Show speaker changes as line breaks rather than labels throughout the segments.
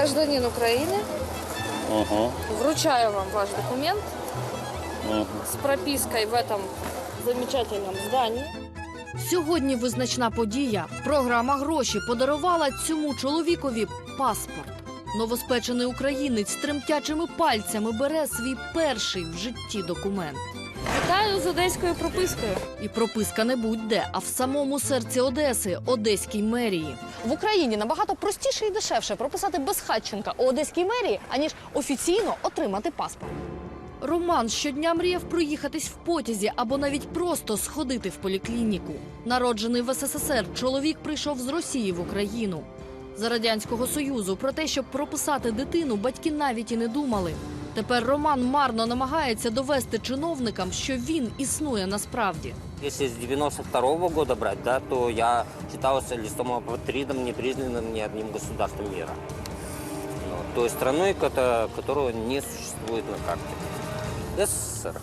гражданин Украины. Вручаю вам ваш документ с пропиской в этом замечательном здании.
Сьогодні визначна подія. Програма «Гроші» подарувала цьому чоловікові паспорт. Новоспечений українець тремтячими пальцями бере свій перший в житті документ.
Вітаю з одеською пропискою.
І прописка не будь-де, а в самому серці Одеси, Одеській мерії.
В Україні набагато простіше і дешевше прописати безхатченка у Одеській мерії, аніж офіційно отримати паспорт.
Роман щодня мріяв проїхатись в потязі або навіть просто сходити в поліклініку. Народжений в СССР, чоловік прийшов з Росії в Україну. За Радянського Союзу про те, щоб прописати дитину, батьки навіть і не думали. Тепер Роман марно намагається довести чиновникам, що він існує насправді.
Если с 92-го года брать, да, то я считался листом апатридом, не признанным ни одним государством мира. Той страной, которая не существует на карте. СССР.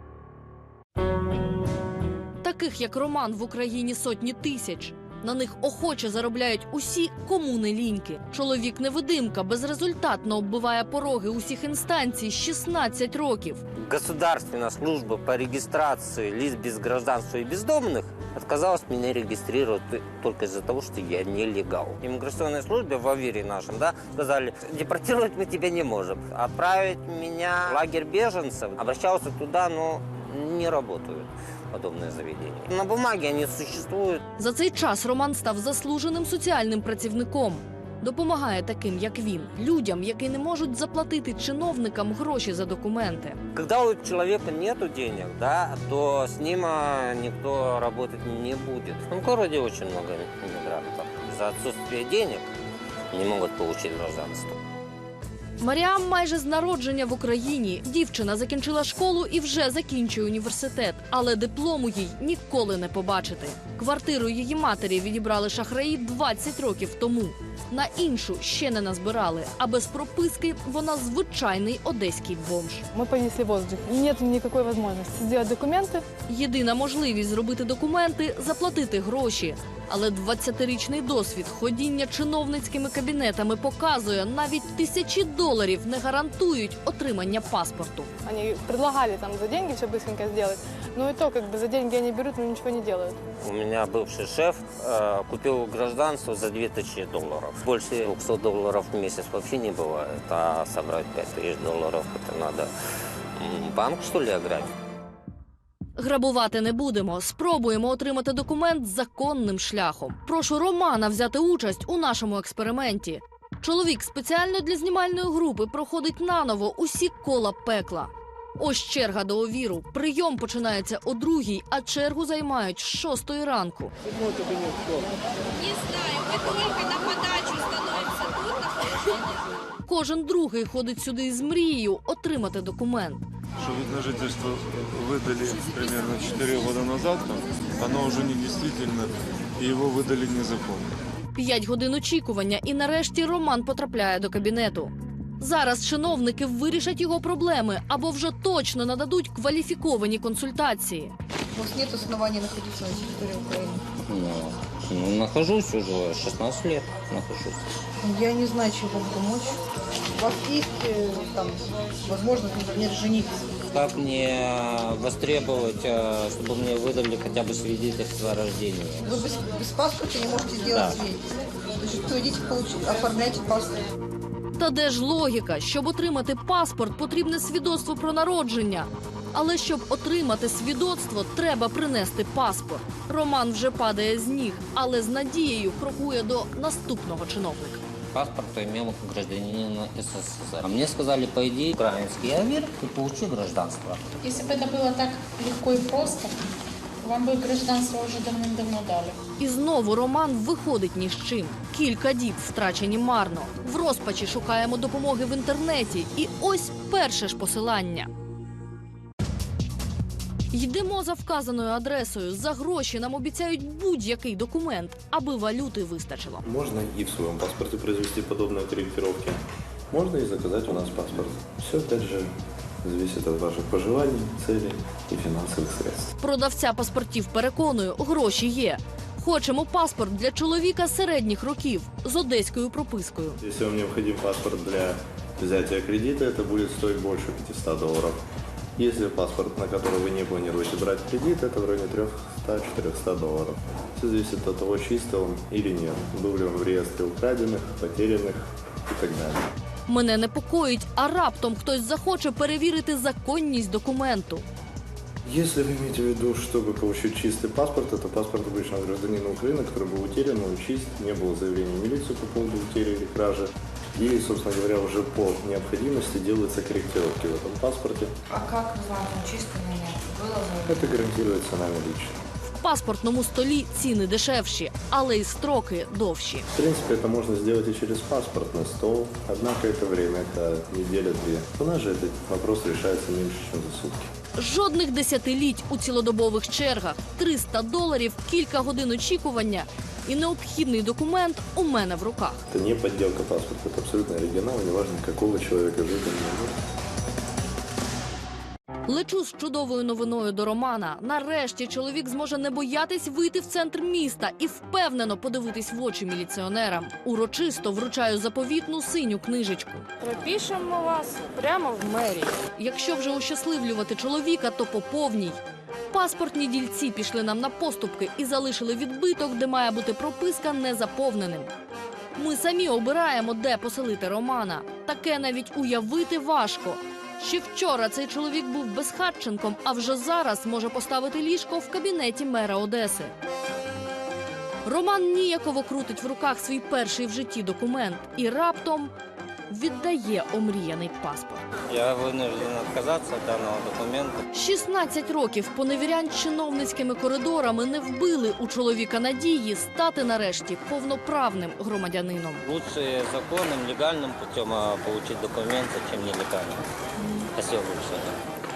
Таких, як Роман, в Україні сотні тисяч. На них охоче заробляють усі, кому не ліньки. Чоловік-невидимка безрезультатно оббиває пороги усіх інстанцій 16 років.
Государственная служба по регистрации лиц без гражданства и бездомных отказалась меня регистрировать только из-за того, что я нелегал. Иммиграционной службе в Авере нашем, да, сказали, депортировать мы тебя не можем. Отправить меня в лагерь беженцев, обращался туда, но не работают подобные заведения. На бумаге они существуют.
За цей час Роман став заслуженим соціальним працівником. Допомагає таким, як він, людям, які не можуть заплатити чиновникам гроші за документи.
Когда у человека нет денег, да, то с ним никто работать не будет. В городе очень много иммигрантов. За отсутствие денег не могут получить гражданство.
Маріам майже з народження в Україні. Дівчина закінчила школу і вже закінчує університет. Але диплому їй ніколи не побачити. Квартиру її матері відібрали шахраї 20 років тому. На іншу ще не назбирали. А без прописки вона звичайний одеський бомж.
Мы повисли в воздухе. Нет никакой возможности сделать документы.
Єдина можливість зробити документи – заплатити гроші. Але 20-річний досвід ходіння чиновницькими кабінетами показує, навіть $1000 не гарантують отримання паспорту.
Они предлагали там за деньги все быстренько сделать. Но и то, как бы за деньги они берут, но ничего не делают.
У меня бывший шеф купил гражданство за $2000. Больше $200 в месяц вообще не бывает. А собрать $5000 это надо банк, что ли, ограбить?
Грабувати не будемо. Спробуємо отримати документ законним шляхом. Прошу Романа взяти участь у нашому експерименті. Чоловік спеціально для знімальної групи проходить наново усі кола пекла. Ось черга до Овіру. Прийом починається о 2:00, а чергу займають з 6 ранку.
Не знаю, мы только на подачу становимся тут, на получение.
Кожен другий ходить сюди з мрією отримати документ.
Что вид на жительство выдали примерно 4 года назад, оно уже не действительно, и его выдали незаконно.
5 годин очікування, і нарешті Роман потрапляє до кабінету. Зараз чиновники вирішать його проблеми або вже точно нададуть кваліфіковані консультації.
У вас нет оснований находиться на территории Украины?
Нахожусь уже 16 лет. Нахожусь.
Я не знаю, чем вам помочь. У вас есть там возможность, например, жениться?
Как мне востребовать, чтобы мне выдали хотя бы свидетельство о рождении?
Вы без паспорта не можете сделать свидетельство. Значит, то идите оформляйте паспорт.
Та де ж логіка? Щоб отримати паспорт, потрібне свідоцтво про народження. Але щоб отримати свідоцтво, треба принести паспорт. Роман вже падає з ніг, але з надією крокує до наступного чиновника.
Паспорт имел гражданина СССР. А мне сказали, пойди в украинский Авир и получи гражданство.
Если бы это было так легко и просто, вам бы гражданство уже давным-давно дали.
І знову Роман виходить ні з чим. Кілька діб втрачені марно. В розпачі шукаємо допомоги в інтернеті. І ось перше ж посилання. Йдемо за вказаною адресою. За гроші нам обіцяють будь-який документ, аби валюти вистачило.
Можно и в своем паспорте произвести подобные корректировки. Можно и заказать у нас паспорт. Все, опять же, зависит от ваших пожеланий, целей и финансовых средств.
Продавця паспортів переконує, гроші є. Хочемо паспорт для чоловіка середніх років з одеською пропискою.
Если вам необходим паспорт для взятия кредита, это будет стоить больше $500. Если паспорт, на который вы не планируете брать кредит, это в районе $300-400. Все зависит от того, чистый он или нет, был ли он в реестре украденных, потерянных и так далее.
Мене непокоїть, а раптом хтось захоче перевірити законність документу.
Если вы имеете в виду, чтобы получить чистый паспорт, это паспорт обычного гражданина Украины, который был утерян, он чист, не было заявления в милицию по поводу утери или кражи. И, собственно говоря, уже по необходимости делаются корректировки в этом паспорте.
А как узнать, он чистый или нет? Было заявление?
Это гарантируется нами лично.
В паспортному столі ціни дешевші, але й строки довші.
В принципе, это можно сделать и через паспортный стол, однако это время, это неделя-две. У нас же этот вопрос решается меньше, чем за сутки.
Жодних десятиліть у цілодобових чергах, $300, кілька годин очікування і необхідний документ у мене в руках.
Это не подделка паспорта, это абсолютно оригинал, неважно, какого человека жить он не может.
Лечу з чудовою новиною до Романа. Нарешті чоловік зможе не боятись вийти в центр міста і впевнено подивитись в очі міліціонерам. Урочисто вручаю заповітну синю книжечку.
Пропишемо вас прямо в мерії.
Якщо вже ощасливлювати чоловіка, то по повній. Паспортні дільці пішли нам на поступки і залишили відбиток, де має бути прописка незаповненим. Ми самі обираємо, де поселити Романа. Таке навіть уявити важко. Ще вчора цей чоловік був безхатченком, а вже зараз може поставити ліжко в кабінеті мера Одеси. Роман ніяково крутить в руках свій перший в житті документ і раптом віддає омріяний паспорт.
Я вынужден отказаться от данного документа.
16 років поневірянь чиновницькими коридорами не вбили у чоловіка надії стати нарешті повноправним громадянином.
Лучше законным, легальным путем получить документы, чем нелегальным. Спасибо большое.